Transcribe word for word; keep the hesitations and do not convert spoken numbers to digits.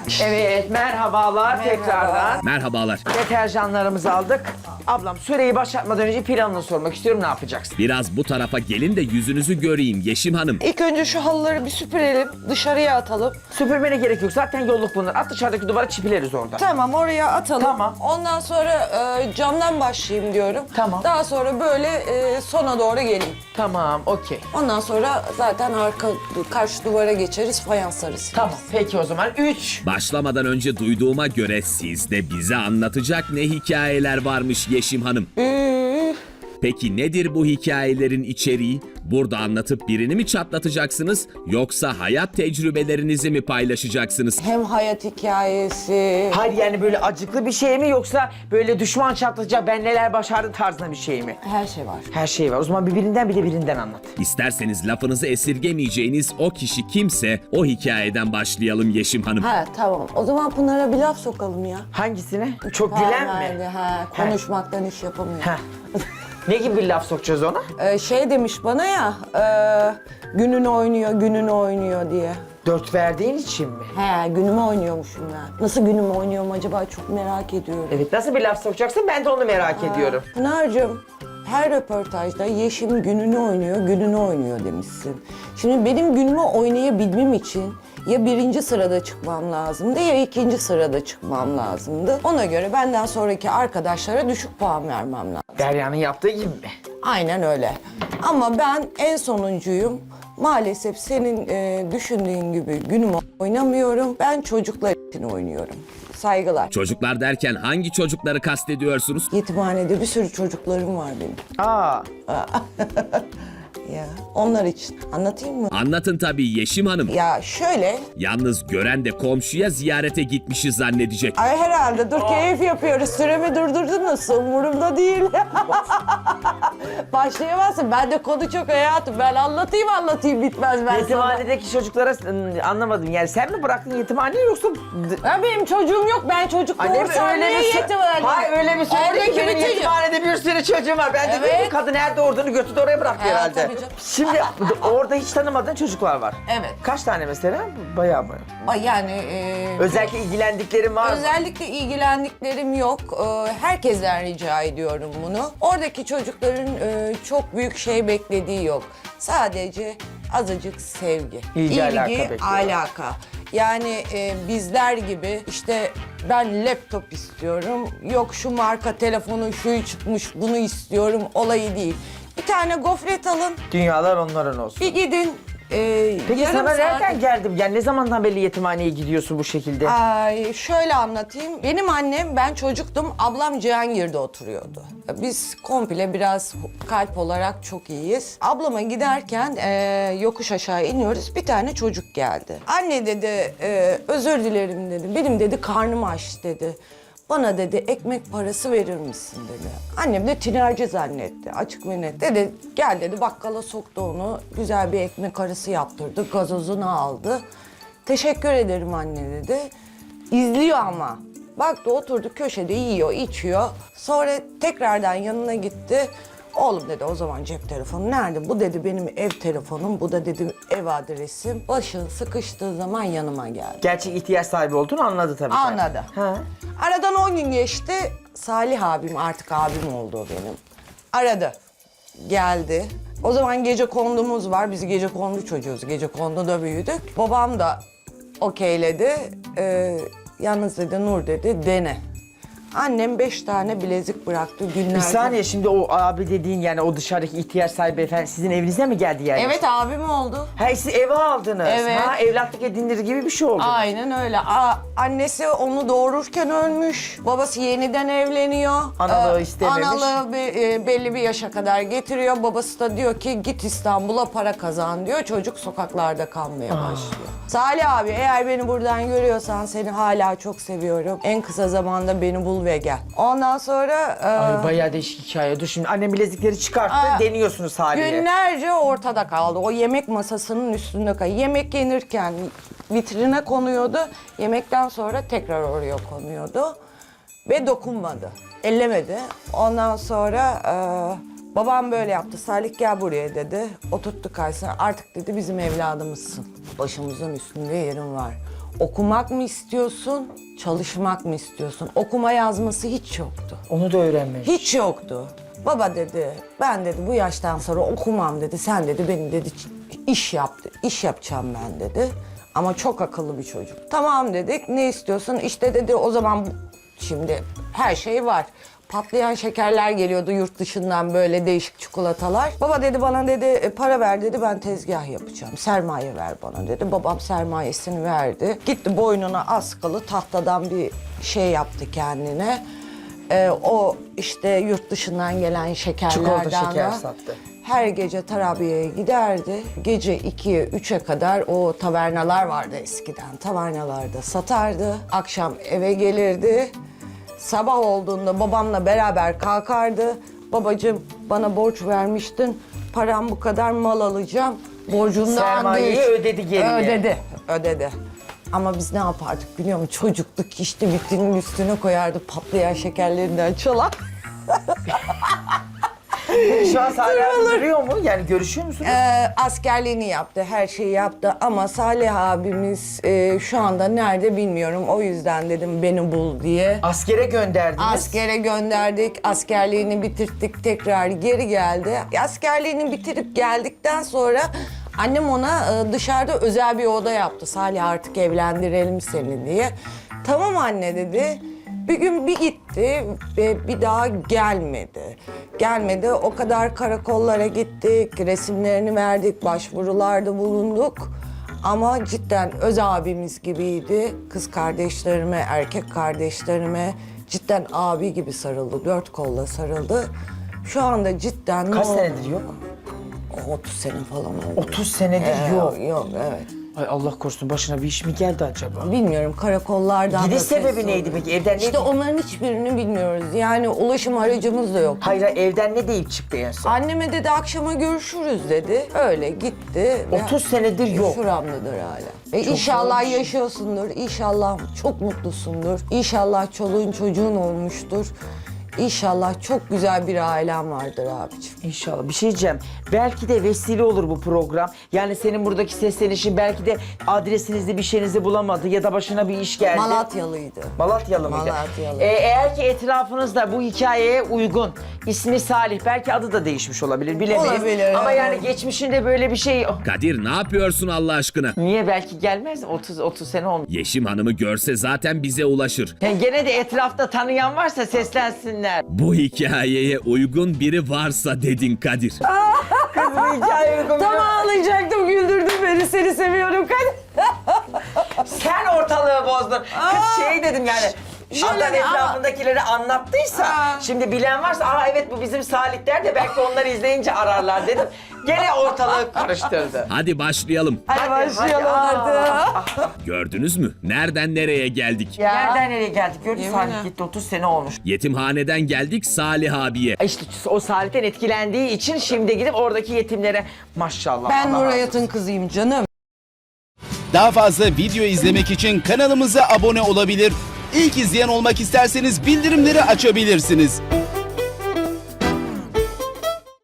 Evet, merhabalar Merhaba. tekrardan. Merhabalar. Deterjanlarımızı aldık. Ablam süreyi başlatmadan önce planını sormak istiyorum, ne yapacaksın? Biraz bu tarafa gelin de yüzünüzü göreyim Yeşim Hanım. İlk önce şu halıları bir süpürelim, dışarıya atalım. Süpürmene gerek yok, zaten yolluk bunlar. At dışarıdaki duvara çipileriz orada. Tamam, oraya atalım. Tamam. Ondan sonra e, camdan başlayayım diyorum. Tamam. Daha sonra böyle e, sona doğru geleyim. Tamam, okey. Ondan sonra zaten arka karşı duvara geçeriz, fayanslarız. Tamam, peki o zaman. Üç. Başlamadan önce duyduğuma göre sizde bize anlatacak ne hikayeler varmış Yeşim Hanım. Üf. Peki nedir bu hikayelerin içeriği? Burada anlatıp birini mi çatlatacaksınız yoksa hayat tecrübelerinizi mi paylaşacaksınız? Hem hayat hikayesi. Hayır, yani böyle acıklı bir şey mi yoksa böyle düşman çatlayacak ben neler başardım tarzında bir şey mi? Her şey var. Her şey var. O zaman bir birinden bir de birinden anlat. İsterseniz lafınızı esirgemeyeceğiniz o kişi kimse o hikayeden başlayalım Yeşim Hanım. Ha tamam. O zaman Pınar'a bir laf sokalım ya. Hangisine? Çok gülen Verdi, mi? Ha, konuşmaktan iş yapamıyor. Heh. Ne gibi bir laf sokacağız ona? Ee, şey demiş bana ya, e, gününü oynuyor, gününü oynuyor diye. Dört verdiğin için mi? He, günümü oynuyormuşum ben. Nasıl günümü oynuyorum acaba, çok merak ediyorum. Evet, nasıl bir laf sokacaksın ben de onu merak ediyorum. Pınar'cığım, her röportajda Yeşim gününü oynuyor, gününü oynuyor demişsin. Şimdi benim günümü oynayabilmem için ya birinci sırada çıkmam lazımdı ya ikinci sırada çıkmam lazımdı. Ona göre benden sonraki arkadaşlara düşük puan vermem lazım. Derya'nın yaptığı gibi mi? Aynen öyle. Ama ben en sonuncuyum. Maalesef senin e, düşündüğün gibi günümü oynamıyorum. Ben çocuklar için oynuyorum. Saygılar. Çocuklar derken hangi çocukları kastediyorsunuz? Yetimhanede bir sürü çocuklarım var benim. Aa, Ya onlar için. Anlatayım mı? Anlatın tabii Yeşim Hanım. Ya şöyle, Yalnız gören de komşuya ziyarete gitmişiz zannedecek. ay herhalde dur keyif yapıyoruz. Süremi durdurdunuz. Umurumda değil. Başlayamazsın. Ben de konu çok hayatım. Ben anlatayım anlatayım bitmez ben sana. yetimhanedeki çocuklara ıı, anlamadım. Yani sen mi bıraktın yetimhaneyi yoksa... Ya benim çocuğum yok. Ben çocuk Annem doğursam öyle niye bir sö- yetimhanede? Hayır, öyle bir söyledi ki Oradaki benim bütün- yetimhanede bir sürü çocuğum var. Ben de dedim Evet. ki kadın nerede olduğunu götürdü oraya bıraktı Ha, herhalde. tabii canım. Şimdi orada hiç tanımadığın çocuklar var. Evet. Kaç tane mesela? Bayağı mı? Ay Yani e, Özellikle ilgilendiklerin var mı? özellikle ilgilendiklerim yok. E, herkesten rica ediyorum bunu. Oradaki çocukların e, çok büyük şey beklediği yok. Sadece azıcık sevgi. İlgi, alaka bekliyorlar. alaka. Yani e, bizler gibi işte ben laptop istiyorum, yok şu marka telefonun şuyu çıkmış bunu istiyorum olayı değil. Bir tane gofret alın, Dünyalar onların olsun. bir gidin. e, Peki yarım sana saat- nereden geldim? Yani ne zamandan beri yetimhaneye gidiyorsun bu şekilde? Ay şöyle anlatayım. Benim annem, ben çocuktum, ablam Cihangir'de oturuyordu. Biz komple biraz kalp olarak çok iyiyiz. Ablama giderken e, yokuş aşağı iniyoruz. Bir tane çocuk geldi. Anne dedi, e, özür dilerim dedi. Benim dedi karnım aç dedi. Bana dedi ekmek parası verir misin dedi. Annem de tinerci zannetti, açık ve net. Dedi gel dedi, bakkala soktu onu. Güzel bir ekmek arası yaptırdı, gazozunu aldı. Teşekkür ederim anne dedi. İzliyor ama. Baktı oturdu köşede yiyor, içiyor. Sonra tekrardan yanına gitti. Oğlum dedi, o zaman cep telefonu nerede? Bu dedi benim ev telefonum, bu da dedi ev adresim. Başın sıkıştığı zaman yanıma geldi. Gerçek ihtiyaç sahibi olduğunu anladı tabii. Anladı. Ha. Aradan on gün geçti. Salih abim, artık abim oldu o benim. Aradı. Geldi. O zaman gece kondumuz var. Biz gece kondu çocuğuz. Gece konduda büyüdük. Babam da okeyledi. Ee, yalnız dedi Nur dedi dene. Annem beş tane bilezik bıraktı günlerce. Bir saniye, şimdi o abi dediğin yani o dışarıdaki ihtiyaç sahibi efendi sizin evinize mi geldi yani? Evet, abim oldu. Ha, siz eve aldınız. Evet. Ha, evlatlık edinir gibi bir şey oldu. Aynen öyle. Aa, annesi onu doğururken ölmüş. Babası yeniden evleniyor. Analığı Ee, istememiş. Analığı bir, e, belli bir yaşa kadar getiriyor. Babası da diyor ki git İstanbul'a para kazan diyor. Çocuk sokaklarda kalmaya başlıyor. Salih abi, eğer beni buradan görüyorsan seni hala çok seviyorum. En kısa zamanda beni bul ve gel. Ondan sonra... e, Ay, bayağı değişik hikaye. Dur şimdi annem bilezikleri çıkarttı, Aa, deniyorsunuz haliyle. Günlerce ortada kaldı. O yemek masasının üstünde kaldı. Yemek yenirken vitrine konuyordu. Yemekten sonra tekrar oraya konuyordu. Ve dokunmadı. Ellemedi. Ondan sonra e, babam böyle yaptı. Salih gel buraya dedi. Oturttu karşısına. Artık dedi bizim evladımızsın. Başımızın üstünde yerin var. Okumak mı istiyorsun, çalışmak mı istiyorsun? Okuma yazması hiç yoktu. Onu da öğrenmemiş. Hiç yoktu. Baba dedi, ben dedi bu yaştan sonra okumam dedi. Sen dedi beni dedi iş yaptı, iş yapacağım ben dedi. Ama çok akıllı bir çocuk. Tamam dedik, ne istiyorsun? İşte dedi o zaman şimdi her şey var. Patlayan şekerler geliyordu yurt dışından böyle değişik çikolatalar. Baba dedi bana dedi "E, para ver dedi ben tezgah yapacağım. Sermaye ver bana dedi. Babam sermayesini verdi. Gitti boynuna askılı tahtadan bir şey yaptı kendine. Ee, o işte yurt dışından gelen şekerlerden Çikolata şeker da sattı. her gece tarabiyeye giderdi. Gece ikiye üçe kadar o tavernalar vardı eskiden. Tavernalarda satardı. Akşam eve gelirdi. Sabah olduğunda babamla beraber kalkardı. Babacığım bana borç vermiştin. Param bu kadar mal alacağım. Borcundan Sermayeyi değil. ödedi geriye. Ödedi. Ödedi. Ama biz ne yapardık biliyor musun? Çocukluk işte vitrinin üstüne koyardı patlayan şekerlerinden çalar. Şu an hala duruyor mu? Yani görüşüyor musunuz? Ee, askerliğini yaptı, her şeyi yaptı ama Salih abimiz e, şu anda nerede bilmiyorum. O yüzden dedim beni bul diye. Askere gönderdiniz. Askere gönderdik, askerliğini bitirttik, tekrar geri geldi. Askerliğini bitirip geldikten sonra annem ona e, dışarıda özel bir oda yaptı. Salih artık evlendirelim seni diye. Tamam anne dedi. Bir gün bir gitti ve bir daha gelmedi. Gelmedi, o kadar karakollara gittik, resimlerini verdik, başvurularda bulunduk. Ama cidden öz abimiz gibiydi. Kız kardeşlerime, erkek kardeşlerime cidden abi gibi sarıldı, dört kolla sarıldı. Şu anda cidden... Kaç o- senedir yok? otuz sene falan oldu. otuz senedir Ee, yok. Yok, evet. Ay Allah korusun başına bir iş mi geldi acaba? Bilmiyorum karakollardan Gidiş da ses sebebi oldu. neydi peki? Evden ne İşte onların hiçbirini bilmiyoruz. Yani ulaşım aracımız da yok. Hayır evden ne deyip çıktı en son? Anneme dedi akşama görüşürüz dedi. Öyle gitti. ve otuz senedir yok. Şuramdadır hala. E inşallah zormuş. yaşıyorsundur. İnşallah çok mutlusundur. İnşallah çoluğun çocuğun olmuştur. İnşallah çok güzel bir ailen vardır abiciğim. İnşallah. Bir şey diyeceğim. Belki de vesile olur bu program. Yani senin buradaki seslenişin belki de adresinizde bir şeyinizi bulamadı ya da başına bir iş geldi. Malatyalıydı. Malatyalı mıydı? Malatyalı. Ee, eğer ki etrafınızda bu hikayeye uygun, ismi Salih, belki adı da değişmiş olabilir bilemeyiz. Olabilir, Ama evet. yani geçmişinde böyle bir şey... Kadir ne yapıyorsun Allah aşkına? Niye belki gelmez? otuz otuz sene olmuş. Yeşim Hanım'ı görse zaten bize ulaşır. Yani gene de etrafta tanıyan varsa seslensinler. Bu hikayeye uygun biri varsa dedin Kadir. Kız bu hikaye uygun. Tam ağlayacaktım, güldürdün beni, seni seviyorum. Sen ortalığı bozdun. Kız şey dedim yani. Şöyle Adam bir- ama- etrafındakileri anlattıysa, Aa. şimdi bilen varsa, aa evet bu bizim Salih der de belki onları izleyince ararlar dedim. Gene ortalığı karıştırdı. Hadi başlayalım. Hadi başlayalım hadi. artık. Gördünüz mü? Nereden nereye geldik? Ya. Nereden nereye geldik? Gördün Yemin Salih ha. gitti otuz sene olmuş. Yetimhaneden geldik Salih abiye. İşte o Salih'ten etkilendiği için şimdi gidip oradaki yetimlere maşallah. Ben Allah razı Nurayat'ın kızıyım canım. Daha fazla video izlemek için kanalımıza abone olabilir. İlk izleyen olmak isterseniz bildirimleri açabilirsiniz.